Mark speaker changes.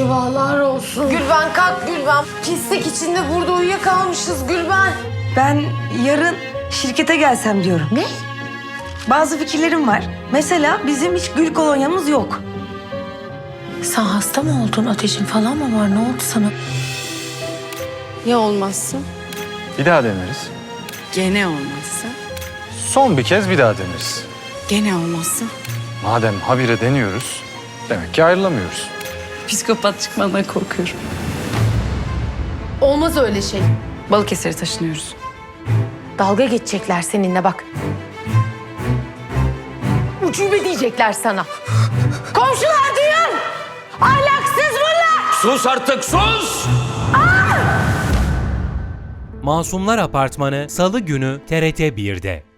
Speaker 1: Eyvahlar olsun. Gülben kalk Gülben. Pislik içinde burada uyuyakalmışız Gülben.
Speaker 2: Ben yarın şirkete gelsem diyorum.
Speaker 1: Ne?
Speaker 2: Bazı fikirlerim var. Mesela bizim hiç gül kolonyamız yok.
Speaker 1: Sen hasta mı oldun? Ateşin falan mı var? Ne oldu sana?
Speaker 3: Ya olmazsa?
Speaker 4: Bir daha deneriz.
Speaker 3: Gene olmazsa?
Speaker 4: Son bir kez bir daha deneriz.
Speaker 3: Gene olmazsa?
Speaker 4: Madem habire deniyoruz, demek ki ayrılamıyoruz.
Speaker 3: Psikopat çıkmandan korkuyorum.
Speaker 1: Olmaz öyle şey.
Speaker 3: Balıkesir'e taşınıyoruz.
Speaker 1: Dalga geçecekler seninle bak. Ucube diyecekler sana. Komşular duyun! Ahlaksız bunlar!
Speaker 5: Sus artık, sus!
Speaker 6: Masumlar Apartmanı Salı günü TRT 1'de.